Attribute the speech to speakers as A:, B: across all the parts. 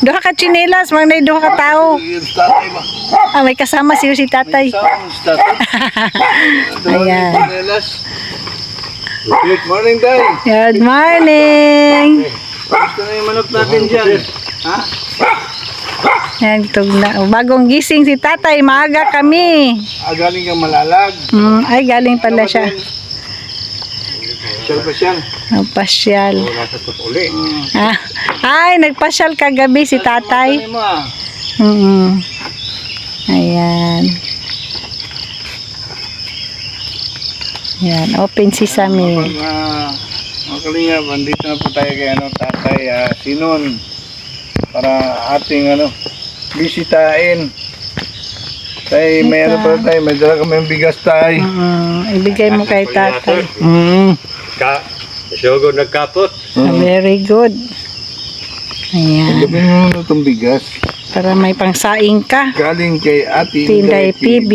A: Duha ka chinelas, mga duha ka tao. May kasama si tatay. Ayan.
B: Good morning, Day.
A: Good morning.
B: Gusto na yung manok natin dyan. Ha?
A: Yan, na. Bagong gising si tatay, maaga kami.
B: Galing kang Malalag.
A: Ay, galing pala siya.
B: Sir pa siya.
A: Pasyal. Ay, nagpasyal kagabi si tatay.
B: Ano mo ah?
A: Ayan. Ayan, open sesame.
B: Mga kalingap, andito na po tayo kay tatay Sinon para ating bisitahin. Tay, may pa tayo, may dala kami bigas tayo.
A: Ibigay mo kay tatay.
C: Sugod nagkapot.
A: Very good. Ayan.
B: Gabi mo na itong bigas.
A: Para may pangsaing ka.
B: Galing kay Ate
A: Tinday PB.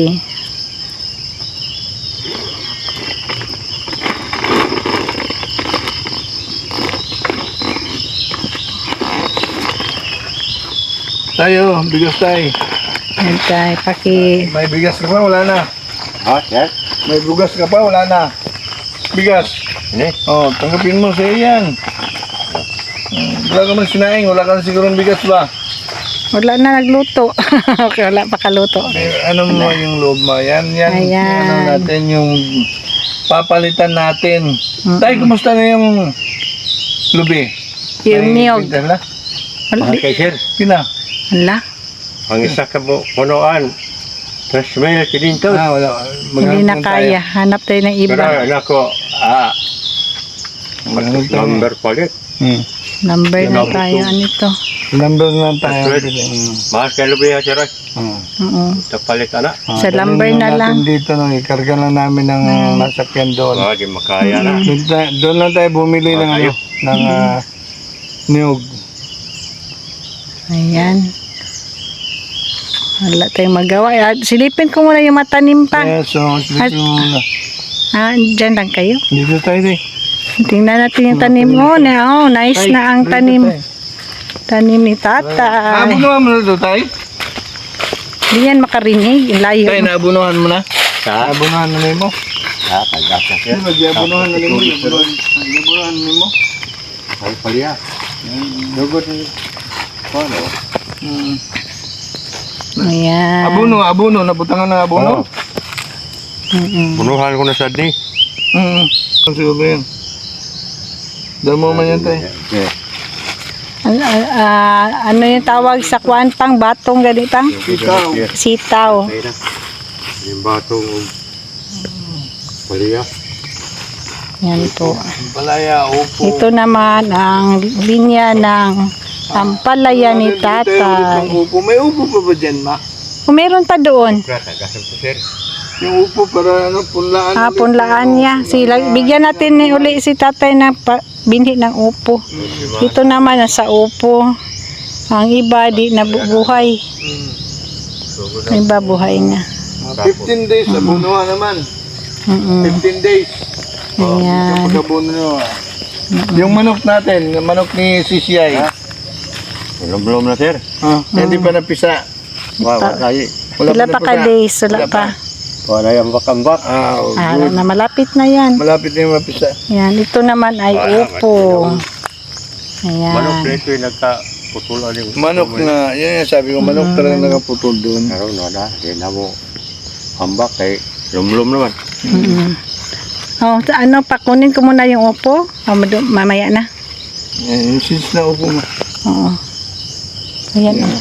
B: Tayo, bigas tayo.
A: Ayan tayo,
B: May bigas ka pa, wala na.
C: Ha? Yes?
B: May bugas ka pa, wala na. Bigas.
C: Ini?
B: Oh, tanggapin mo sa iyan. Wala ka man sinaing, wala ka na sigurong bigas ba?
A: Wala na nagluto. Okay, wala pa kaluto.
B: Ano mo yung loob mo? Yan.
A: Ayan.
B: Natin yung papalitan natin. Tay, kumusta na yung lubi?
A: Yung niyog.
B: Pintala?
A: Wala.
C: Kay sir,
B: Pina?
A: Wala.
C: ang isa ka mo punuan. Tapos may nakilintos.
B: Wala.
A: Hindi na kaya. Hanap tayo ng
C: Pero
A: iba.
C: nako, number palit.
A: Number na tayo. Ano ito?
B: Number na tayo.
C: Mahal ka lubi ha, sir. Ito palit anak.
A: Sa lumber na lang.
B: Dito, ikarga lang namin ng masakyan doon.
C: Di makaya na.
B: Doon lang tayo bumili ng niyog.
A: Ayan. Wala tayong magawa. Silipin ko muna yung matanim pa.
B: Yes, so, dito muna.
A: Dyan lang kayo.
B: Dito tayo din.
A: Tingnan natin yung tanim. Nice na ang tanim. Tanim ni tata.
B: Naabunuhan mo na ito, tay?
A: Hindi yan makarinig. Layo.
B: Tay, naabunuhan mo na?
C: Ha?
B: Naabunuhan na mo?
C: Pagkasa sir.
B: Naabunuhan na mo? Naabunuhan na mo?
C: Ay, paliya. Lugod ni Paano?
A: Ayan.
B: Abuno. Nabutangan ng abuno?
C: Punuhan ko na sa di.
B: Siguro yun. Damo man yan, tay.
A: Ano yung tawag sa kwantang batong ganitang?
B: Ikaw.
A: Sitaw.
C: Yung batong paliya.
A: Yan po.
B: Palaya, upo.
A: Ito naman ang linya ng ampalaya ni tatay.
B: May upo pa ba dyan, ma?
A: Meron pa doon.
C: Gasam ko sir.
B: Yung upo para punlaan.
A: Punlaan niya. Bigyan natin ni uli si tatay ng binhi ng upo. Ito naman nasa upo. Ang iba di nabubuhay. Ang iba buhay na.
B: 15 days, abunuhan naman. 15 days.
A: Ayan.
B: Kapag abuno nyo. Yung manok natin, yung manok ni CCI.
C: Belum na sir.
B: Hindi pa napisa.
C: Wala tayo.
A: Wala pa ka days. Wala pa.
C: Wala yung bakambak.
A: Na malapit na yan.
B: Malapit na yung mapisa.
A: Yan. Ito naman ay upo.
C: Manok na
A: Ayan.
C: ito yung nagkaputulan yung
B: Manok na, yan yung sabi ko, manok talaga nakaputol doon.
C: Meron na, hindi na mo hambak kay lumlum naman.
A: Pakunin ko muna yung upo. Mamaya na.
B: Yung since na upo mo.
A: Oo. Ayan. Ayan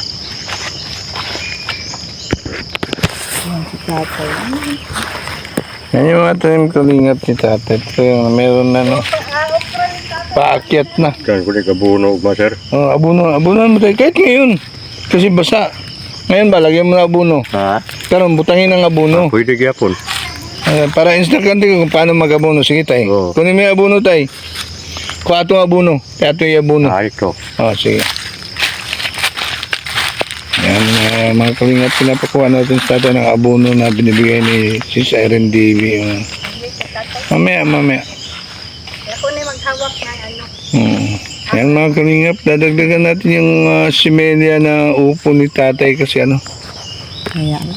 A: si tatay.
B: Yan yung mga tanim kalingap ni tatay. Ito yung meron na paakyat na.
C: Kan ko di kabuno ba sir?
B: Abunuhan mo tayo kahit ngayon. Kasi basa. Ngayon ba, lagyan mo na abuno.
C: Ha?
B: Karon butangin ng abuno.
C: Pwede gyapon.
B: Para instant kung paano mag-abuno. Sige tay. Kunin mo yung abuno tay. Kuha itong abuno. Kaya ito yung abuno.
C: Ito.
B: Sige. Yan, mga kalingap, pinapakuha natin sa atin ng abuno na binibigay ni Sis Irene Davy. Mamaya.
A: Ako na maghawak na ano.
B: Yan mga kalingap, dadagdagan natin yung simelya na upo ni tatay kasi ano.
A: Ayan.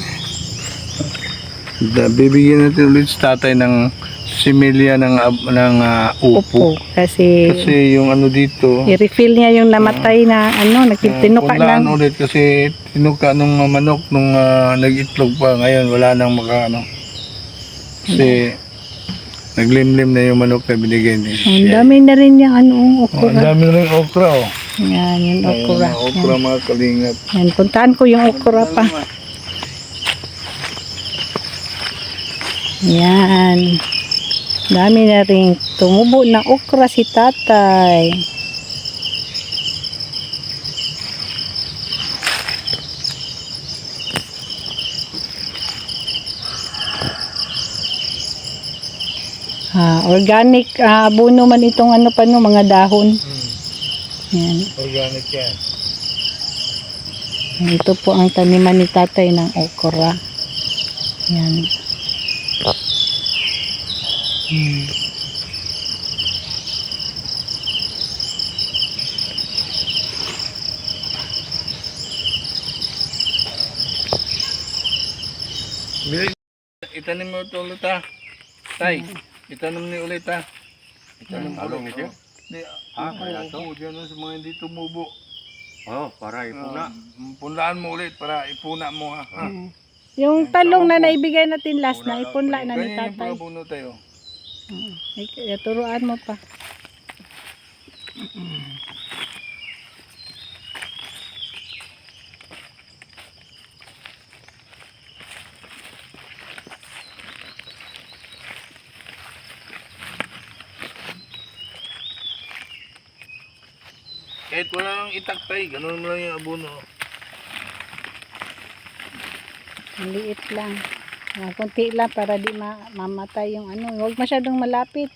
B: Bibigyan natin ulit si tatay ng similya upo.
A: Upo. Kasi
B: Kasi yung ano dito,
A: i-refill niya yung namatay na nagtinuka
B: punlaan
A: ng
B: ulit kasi tinuka nung manok nung nag-itlog pa. Ngayon wala nang makaano. Kasi naglimlim na yung manok na binigay niya.
A: ang dami na rin yung
B: Ang
A: okra.
B: dami na rin okra oh.
A: Yan, yung
B: Ayun,
A: okra.
B: mga okra mga kalingap.
A: Yan, puntahan ko yung okra pa. Yan. Dami na rin tumubo na okra si tatay. Organic abono man itong mga dahon. Yan.
B: Organic yan.
A: Ito po ang taniman ni tatay ng okra. Yan.
B: Itanim mo ito ulit ha. Tay, itanim ni ulit ha. Itanim mo ulit.
C: ito?
B: Di,
C: kaya ito?
B: Diyan sa mga hindi tumubo.
C: Oh, para ipuna.
B: Punlaan mo ulit para ipuna mo ha.
A: Yung talong na naibigay natin last na, ipunla na ni
B: Ganyan yung
A: tatay.
B: pagkabuno tayo.
A: Turuan mo pa.
B: Kahit wala nang itakpay, ganun mo lang yung abono.
A: Ang liit lang. Kunti lang para di mamatay yung Huwag masyadong malapit.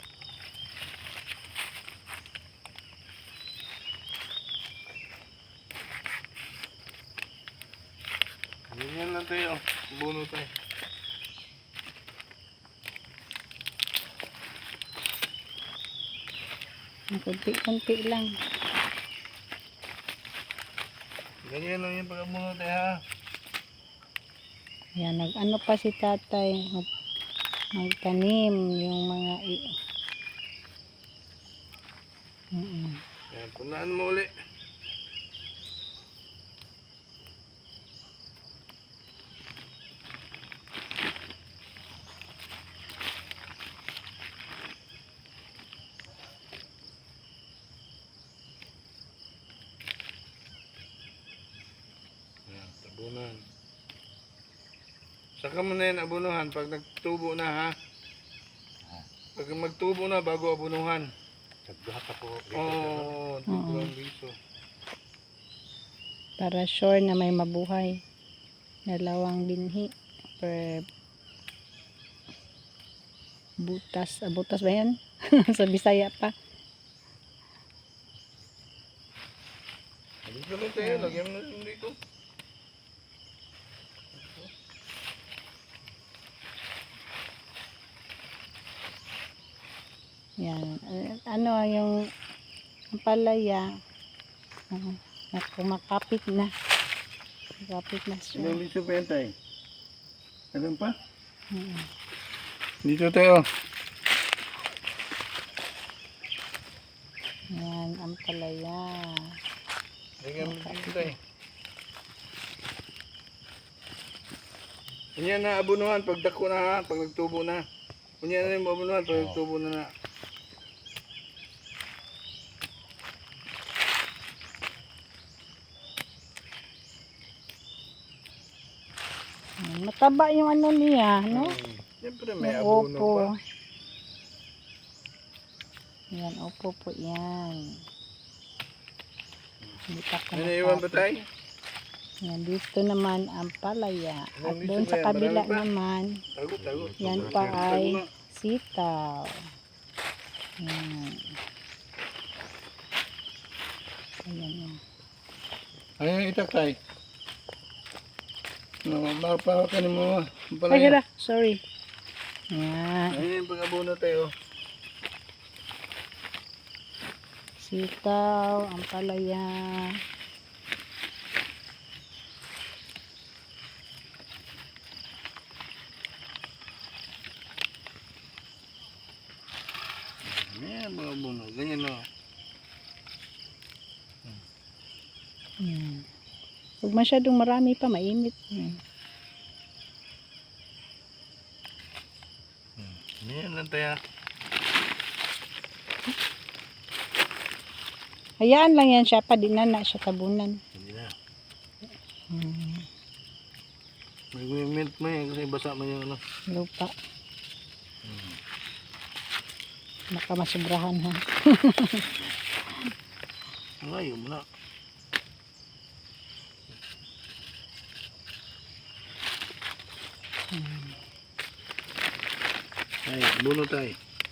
B: Ganyan lang tayo. Abono tayo.
A: Kunti-kunti lang.
B: Ganyan lang yung pagkabuno tayo ha.
A: Yan, pa si tatay. Magtanim yung mga
B: Yan, punlaan mo ulit. Yan, tabunan. Saka mo na yan abunuhan pag nagtubo na ha. Pag magtubo na bago abunuhan.
C: Nagduha ka po.
B: Oo, tiglang biso.
A: para sure na may mabuhay. 2 binhi per butas. Butas ba yan? Sa Bisaya pa.
B: Dito lang tayo, lagyan mo na dito.
A: Yan. Yung palaya. Kumakapit na. Kumakapit na siya.
B: Ilang biso pa yan tayo? Alam pa? Dito tayo.
A: Yan, ang palaya.
B: Lagyan mo dito tayo. Kunyan na abunuhan pag dako na ha, pag nagtubo na. Kunyan na yung abunuhan pag nagtubo na na.
A: Mataba yung niya, no?
B: Siyempre may
A: Yung
B: abuno
A: opo.
B: pa.
A: Yan, opo po yan. Hindi pa
B: May naiwan ba tayo?
A: Yan, dito naman ang palaya. At
B: Ilang
A: doon
B: biso
A: sa
B: ba yan?
A: kabila
B: Marami pa?
A: naman,
B: Tagot.
A: yan pa ay sitaw. Yan. Ayan yan.
B: Ayun itak tayo. No, mapapakanin mo.
A: Ay, hala, sorry. Yan.
B: Ayun yung pag-abuno tayo.
A: Sitaw, ampalaya.
B: Yan, mga buno. Ganyan o.
A: Yan. Huwag masyadong marami pa, mainit. Yan.
B: Yan lang tayo.
A: Hayaan lang yan siya pa, di na siya tabunan.
B: Hindi na. Mag-mint mo yan kasi basa mo yung ano.
A: Lupa. Baka masubrahan ha.
B: Ngayon mo na. Ay, buno tayo.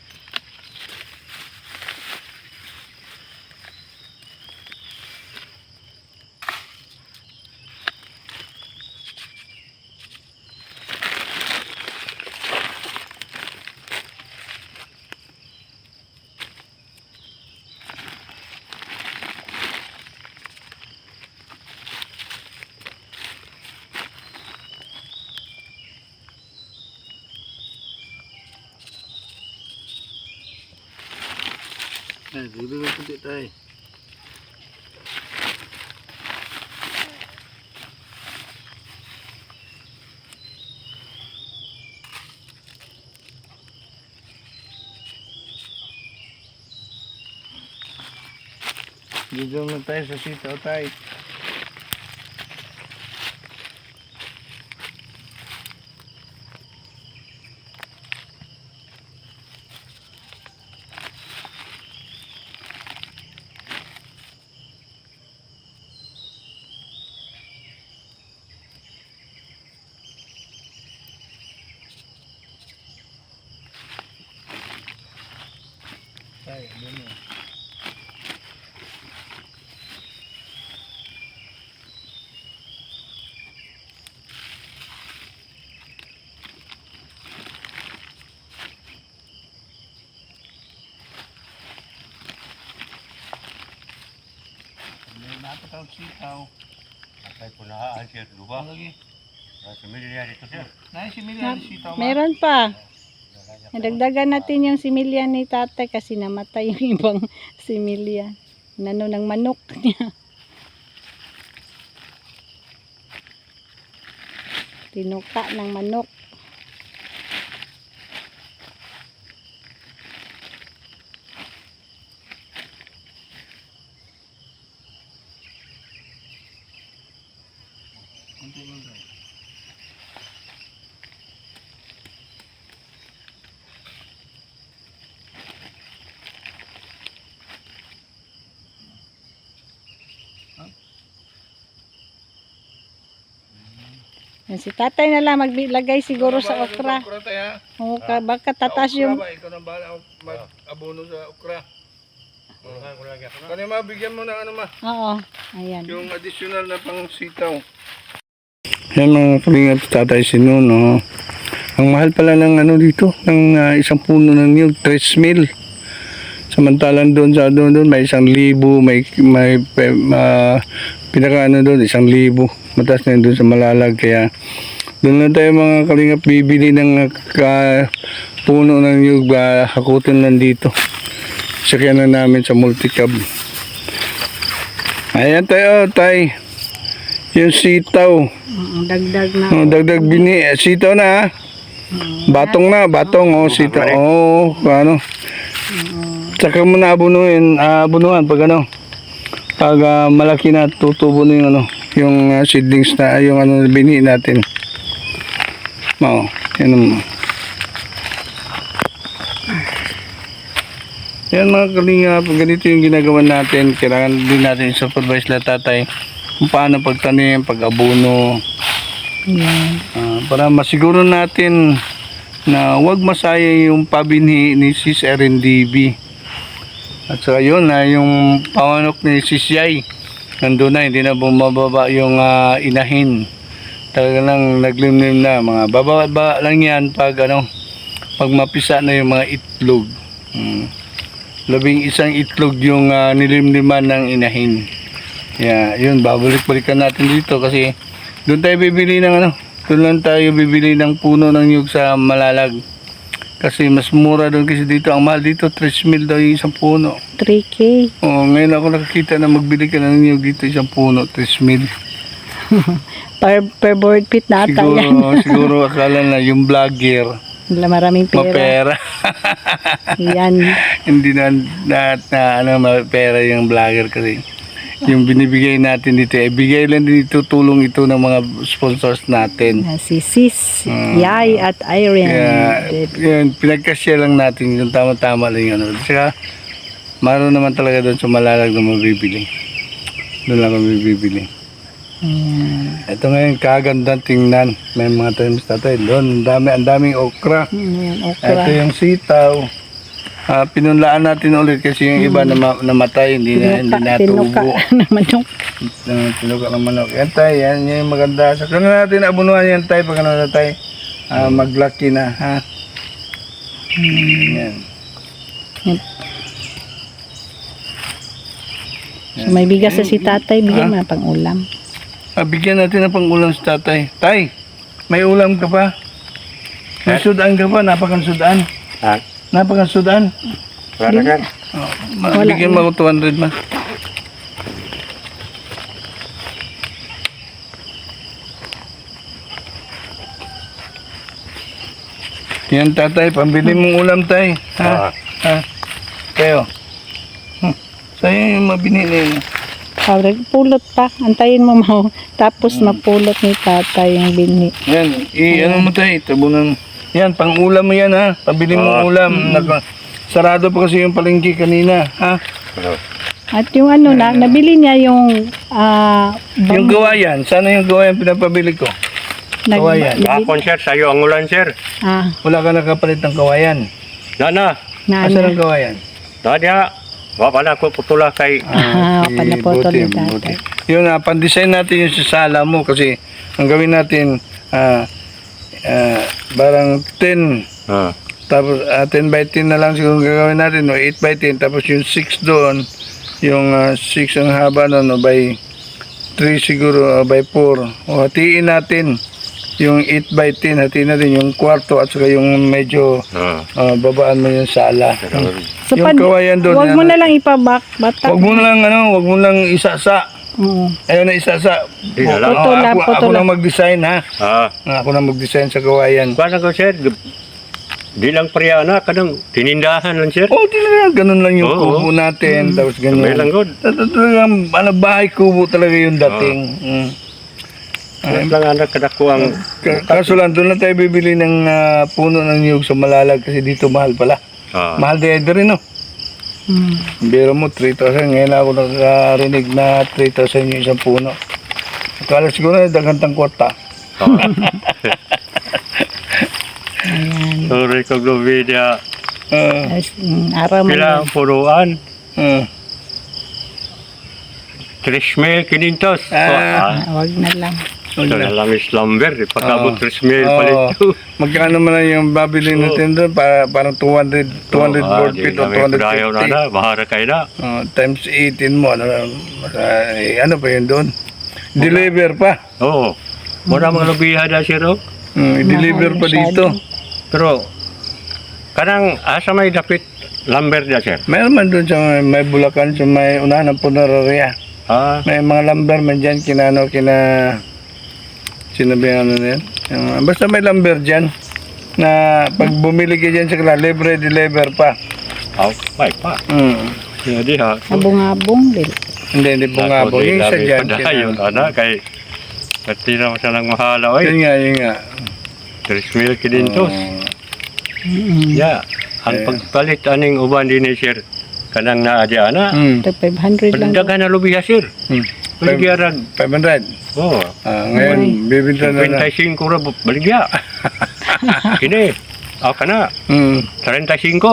B: Ay, dito na puti tayo. Dito na tayo sa sitaw tayo. Tayo, buno. May napatawag sitaw.
C: Patay po na siya lupa.
B: Lagi.
C: Sa milya dito sir.
B: Naisimilyari sitaw.
A: Meron pa. Nadagdagan natin yung similya ni tatay kasi namatay yung ibang similya. Nano ng manok niya. Tinuka ng manok.
B: Kunti lang tayo.
A: Yan, si tatay na lang maglagay siguro sa okra.
B: Okra tayo.
A: O, baka tatas yung...
B: Ikaw nang bahala mag-abono sa okra.
C: Kulangan ko lagi ako na.
B: Kanya mabigyan mo ng ano ma,
A: Oo, ayan.
B: yung additional na pang sitaw. Yan mga kalingap, tatay Sinon, no. Ang mahal pala ng ano dito, ng isang puno ng niyog, 3,000. Samantalang doon sa doon may 1,000, may pinaka ano doon 1,000. Mataas na yun doon sa Malalag, kaya doon na tayo mga kalingap bibili ng puno ng niyog, hakutin lang dito. Sakyan na namin sa multicab. Ayan tayo, tay. Yung sitaw.
A: Dagdag na.
B: Oh, dagdag sitaw na ha. Batong na, batong. Oh, sitaw. Oh, ano. Tsaka mo na abunuhan pag ano. Pag malaki na, tutubo na yung ano. Yung seedlings na, yung ano, bini natin. Oh, yan naman. Yan mga kalingap, ganito yung ginagawa natin. Kailangan din natin supervise na tatay kung paano pagtanim, pag-abono.
A: Ayan.
B: Para masiguro natin na huwag masaya yung pabinhi ni Sis RNDB. At saka yun na yung pamanok ni Sis Yay. Nandun na, hindi na bumababa yung inahin. Talaga lang naglimlim na. Mga bababa lang yan pag, ano, pag mapisa na yung mga itlog. 11 itlog yung nilimliman ng inahin. Yeah, yun, babalik-balikan natin dito kasi doon tayo bibili ng doon lang tayo bibili ng puno ng nyug sa Malalag. Kasi mas mura doon kasi dito. Ang mahal dito, 3,000 daw yung isang puno.
A: 3K.
B: Oh, ngayon ako nakakita na magbili ka ng nyug dito isang puno, 3,000.
A: Per board feet na ata yan.
B: Siguro akala na yung vlogger
A: Maraming pera.
B: mapera.
A: Yan.
B: Hindi na mapera yung vlogger kasi yung binibigay natin dito, bigay lang din ito, tulong ito ng mga sponsors natin.
A: Si Sis, Yay at Irene.
B: Kaya, yun, pinagkasya lang natin yung tama-tama lang yun. Saka, maroon naman talaga doon sa Malalag na mabibili. Doon lang kami bibili. Ito ngayon, kagandang tingnan. May mga tanim sa tatay. Doon, ang daming okra.
A: Okra.
B: Ito yung sitaw. Pinunlaan natin ulit kasi yung iba namatay, hindi natubo.
A: Tinuka na manok.
B: Tinuka ng manok. Yan tayo, yan yung maganda. Saka na natin abunuhan yan tayo pag ano na tayo. Maglaki na, ha? Yan.
A: So may bigas sa si tatay, bigyan mo na pang ulam.
B: Bigyan natin ng pang-ulam sa tatay. Tay, may ulam ka pa? May sudan ka pa? Napakang-sudan.
C: Ha?
B: Napakang-sudan.
C: Wala ka?
B: Bigyan mo ako 200 ma. Yan tatay, pambili mong ulam tay. Ha? Ha? Kayo. Sa'yo yung mabinili mo.
A: Pulot pa. Antayin mo mo. Tapos mapulot ni tatay yung binhi.
B: Yan, ano mo tayo, tabunan. Yan, pang-ulam mo yan ha. Pabili mong ulam. Sarado pa kasi yung palengke kanina, ha?
A: At yung nabili niya yung
B: Yung gawayan, sana yung gawayan pinapabili ko. Kawayan.
C: Bakon sir, sa'yo ang ulan sir.
B: Wala ka nakapalit ng kawayan.
C: Nana,
B: Asan ang kawayan?
C: Nadia, wala ko putula kay...
A: pala po ito ni tatay.
B: Yun, pan-design natin yung sa sala mo kasi ang gawin natin, barang 10, tapos 10 by 10 na lang siguro gagawin natin, no? 8 by 10, tapos yung 6 doon, yung 6 ang haba no, by 3 siguro, by 4. O hatiin natin yung 8 by 10, hatiin natin yung kwarto at saka yung medyo babaan mo yung sala.
A: So,
B: yung kawayan doon.
A: Huwag mo na lang ipabak-batak.
B: Huwag mo na lang, wag mo lang isasa. Ayaw na isasa. Ako na mag-design, ha? Ako na mag-design sa kawayan.
C: Paano ko sir? Di lang priya na, kanang tinindahan lang sir.
B: Talaga, ganun lang yung kubo natin. Tapos ganun.
C: May lang good.
B: Talagang, bahay kubo talaga yung dating.
C: Lang anak kadako ang...
B: Kaso lang, doon lang tayo bibili ng puno ng niyog sa Malalag kasi dito mahal pala. Mahal din rin, no? Biro mo, 3,000. Ngayon ako nakarinig na 3,000 yung isang puno. Akala siguro na dagantang kwarta.
C: Sorry ko Glovedia.
A: Araw mo
C: Pila ang puruan. 3,500.
A: Huwag na lang.
C: Ito na lang slumber. Pagkabot 3,000 palit ito.
B: Magkano man lang yung babili natin doon? Parang 200 board feet o 250.
C: Na, bahara kayo na.
B: Times 18 mo. Ano pa yun doon? Deliver pa.
C: Oo. Muna mga lubiha na siya ro.
B: I-deliver pa dito.
C: Pero, kanang asa may dapit lumber na sir.
B: Mayroon man doon sa may Bulacan, sa may unahan ng Punararia. May mga lumber man dyan, sinabihan na yan. Basta may lumber dyan, na pag bumili ka dyan sa kanila, libre, deliver pa.
C: May pa. Hindi ha.
A: Abong-abong din.
B: Hindi bungabong. Yung isa dyan.
C: Yun, kay pati naman siya lang mahala.
B: Yun nga.
C: 3,500. Yeah. Ang pagpalit aning uban din ni sir. Kanang naadya na.
A: 500 lang.
C: Pandagan na lubiha sir. Baligya
B: 500.
C: Oo.
B: Ngayon, bibinta na na.
C: 25 ra baligya. Kini. Ka na. 35.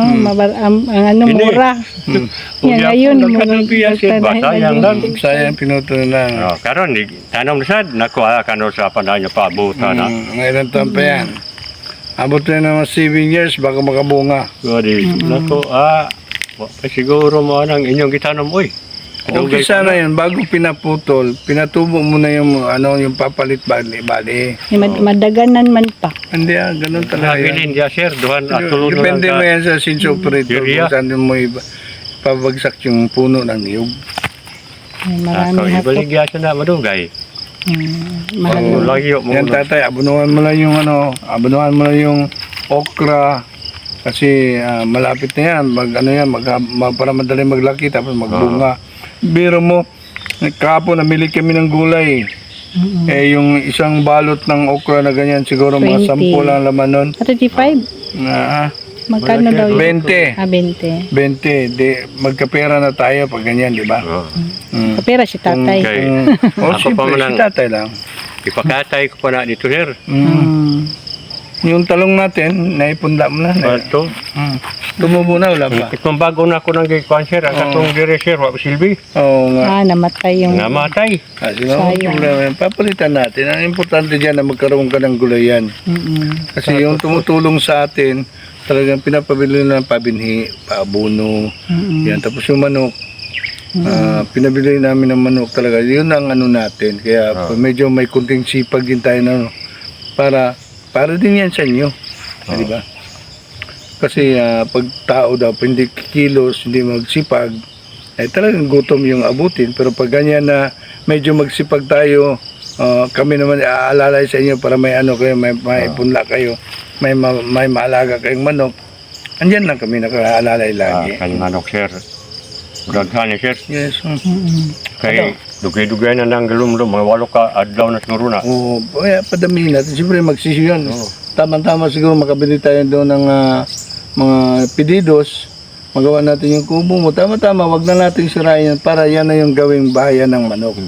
A: Mura. Yan, ngayon.
C: Sayang lang.
B: Sayang pinuto na lang.
C: Karon, tanong na sad. Nakuha ka na sa panahon niya paabutan na.
B: Ngayon taon pa yan. Abot na naman 7 years, baka makabunga.
C: Naku, Siguro mo anang inyong gitanom, oy.
B: Okay sana yun, bago pinaputol, pinatubo mo na yung yung papalit bali.
A: Madaganan man pa.
B: Hindi ganun talaga yan.
C: Nabilin dia sir, duhan at tulong na
B: Depende mo yan sa sinso operator
C: Area.
B: kung saan mo pabagsak yung puno ng niyog.
A: Ay, marami hapot.
C: Ibalik dia siya na madugay.
A: Mahal
C: Ang
A: na.
C: lagyo mo.
B: Yan tatay, abunuhan mo lang yung abunuhan mo lang yung okra kasi malapit na yan, para madali maglaki tapos magbunga. Biro mo, kahapon namili kami ng gulay. Yung isang balot ng okra na ganyan, siguro mga
A: 20.
B: 10 lang laman nun.
A: 35. Magkano daw yun?
B: 20.
A: 20.
B: 20. Magkapera na tayo pag ganyan, di ba?
C: Oh.
A: Kapera si tatay.
C: Okay. Ako pa
B: Siyempre,
C: man
B: si tatay lang.
C: Ipakatay ko pa na dito sir.
B: Yung talong natin, naipunda mo na.
C: Pato.
B: Tumubo na, wala pa.
C: Itong bago na ako ng gikuan sir, ang katong dire sir, wap silbi.
B: Oo nga.
A: Namatay yung...
C: Namatay.
B: Kasi mga problema yan, papalitan natin. Ang importante dyan na magkaroon ka ng gulayan. Kasi yung tumutulong sa atin, talagang pinapabili na ng pabinhi, paabono, yan. Tapos yung manok, pinabili namin ng manok talaga. Yun ang natin. Kaya medyo may kunting sipag din tayo na para din yan sa inyo. Di ba? Kasi pag tao daw, hindi kilos, hindi magsipag, talagang gutom yung abutin. Pero pag ganyan na medyo magsipag tayo, kami naman aalalay sa inyo para may kayo, may punla kayo, may maalaga kayong manok. Andyan lang kami nakaalalay lagi.
C: Kanyang manok sir. Daghan ni sir.
B: Yes.
C: Kay dugay-dugay na nang galumlum, mga 8 ka adlaw na siguro na.
B: Oo, padamihin natin. Siyempre magsisyo yan. Tama-tama siguro makabili tayo doon ng mga pedidos. Magawa natin yung kubo mo. Tama-tama, wag na natin sirain yan para yan na yung gawing bahayan ng manok.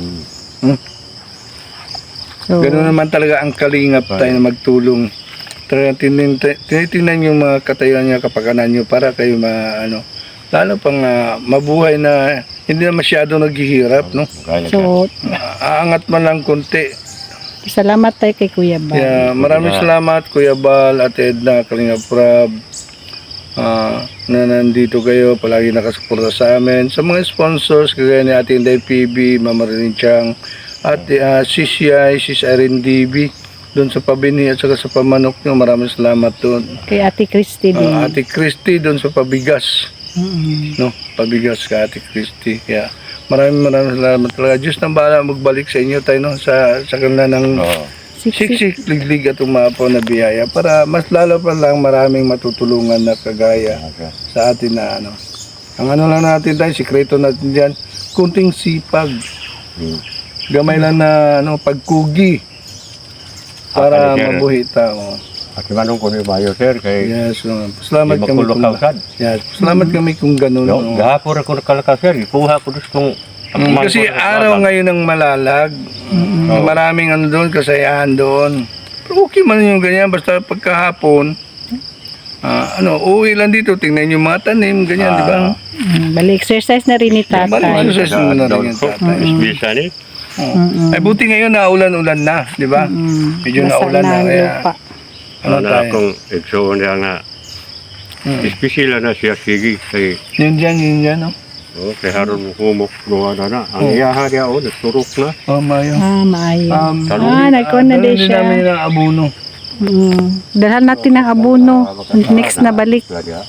A: So,
B: Ganoon naman talaga ang kalingap tayo na magtulong. Talagang tinitingnan yung mga katayuan niya, kapakanan nyo para kayo lalo pang mabuhay na hindi na masyado naghihirap, no?
A: so
B: Aangat man lang konti.
A: salamat tayo kay Kuya Bal.
B: Kaya maraming salamat Kuya Bal, Ate Edna, Kalingap Prab, na nandito kayo, palagi nakasuporta sa amin. Sa mga sponsors, kagaya ni Ate Inday PB, Mama Rin Chang, at CCI, Sis Irene DB, doon sa pabini at saka sa pamanok nyo, maraming salamat doon.
A: Kay Ate Christy din.
B: Ate Christy doon sa pabigas. No, pabigas ka Ate Christy. Kaya maraming salamat talaga. Diyos nang bahala magbalik sa inyo tayo, no, sa kanila ng siksik, liglig at umapaw na biyaya para mas lalo pa lang maraming matutulungan na kagaya sa atin na ang lang natin tayo, sikreto natin dyan, kunting sipag, gamay lang na pagkugi para mabuhi tao.
C: At manong ko ni Mayo sir, kay
B: Yes, salamat kami kung salamat kami kung ganun.
C: gahapon ako nakalaka sir, ikuha ko kung
B: kasi araw ngayon ng malalag, maraming doon, kasayahan doon. Pero okay man yung ganyan, basta pagkahapon, uwi lang dito, tingnan yung mga tanim, ganyan, di ba?
A: Balik exercise na rin ni tatay.
B: Balik exercise mo na rin yung tatay.
C: Bisa ni.
B: Ay buti ngayon naulan-ulan na, di ba? Medyo naulan na. Kaya,
C: Na akong igsoon niya nga. Espesyal na siya sige kay
B: yun dyan, no?
C: kay haron mo humok luwa na. Ang iyaha niya nagturok na.
B: Mayo.
A: Maayo.
C: Talong.
A: Nagkuhan na din siya.
B: namin ng abono.
A: Dalhan natin ng abono. Next na balik.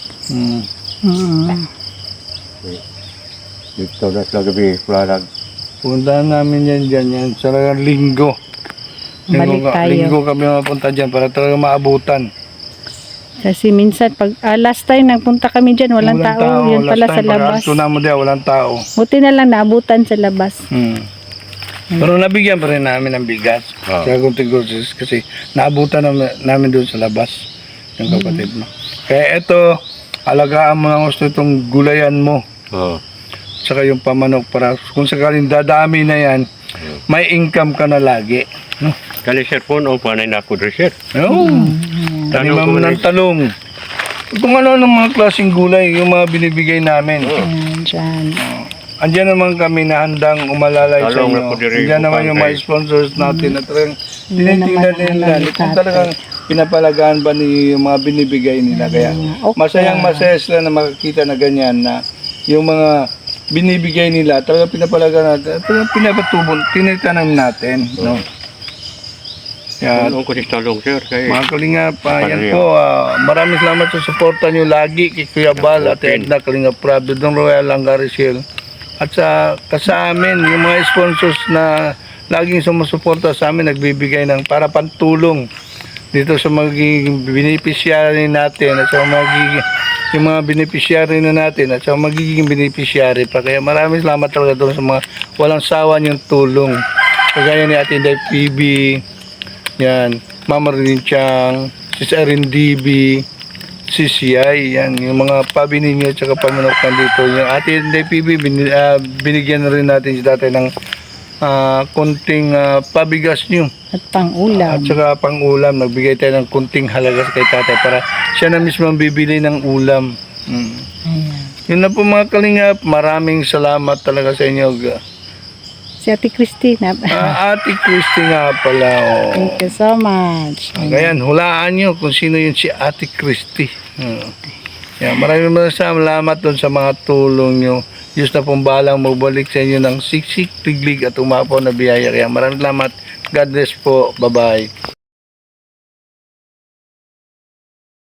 C: Dito na sa gabi, plalag.
B: Puntahan namin yan sa linggo.
A: Balik tayo.
B: Linggo kami mapunta dyan para talaga maabutan.
A: Kasi minsan, pag last time nagpunta kami dyan, walang tao. Yun pala sa labas.
B: Last time, mo diyan, walang tao.
A: Buti na lang naabutan sa labas.
B: Pero nabigyan pa rin namin ng bigas. Kaya kunti-kunti kasi naabutan namin doon sa labas. Yung kapatid mo. Kaya ito, alagaan mo ng gusto itong gulayan mo. Saka yung pamanok para kung sakaling dadami na yan, may income ka na lagi. No?
C: Kali sir po, panay na ako rin sir.
B: Taniman mo ng talong. Kung ano ng mga klaseng gulay, yung mga binibigay namin.
A: Diyan.
B: Andiyan naman kami na handang umalalay sa inyo. Andiyan naman yung mga sponsors natin na talagang tinitingnan nila. Kung talagang pinapalagaan ba ni yung mga binibigay nila. Kaya
A: Okay.
B: masayang masaya sila na makakita na ganyan na yung mga binibigay nila talaga pinapalagaan natin, talaga pinapatubon, tinitanam natin. No? Yan.
C: Ano ko si Talong, sir? Kay
B: Mga Kalingap, yan po, maraming salamat sa suporta nyo lagi kay Kuya Bal at Edna Kalingap Prab, Dong Royal Langaricel. At sa amin, yung mga sponsors na laging sumusuporta sa amin, nagbibigay ng para pantulong dito sa magiging beneficiary natin at sa magiging yung mga beneficiary na natin at sa magiging beneficiary pa. Kaya maraming salamat talaga doon sa mga walang sawa niyong tulong. Kagaya ni Ate Inday PB, yan, Mama Rin Chang, si Erin DB, si CI, yan, yung mga pabinin nyo at saka pamanukan dito. Yung Ate Inday PB, binigyan na rin natin si tatay ng kunting pabigas nyo.
A: At pang-ulam.
B: At saka pang-ulam, nagbigay tayo ng kunting halaga kay tatay para siya na mismo ang bibili ng ulam.
A: Ayan.
B: Yun na po mga Kalingap, maraming salamat talaga sa inyo.
A: Si Ate Christina.
B: Ate Christy nga pala. Oh.
A: Thank you so much.
B: Ngayon, hulaan nyo kung sino yun si Ate Christy. Yan, maraming salamat doon sa mga tulong nyo. Diyos na pong balang magbalik sa inyo ng siksik, tiglig at umapaw na biyaya. Kaya maraming salamat. God bless po. Bye-bye.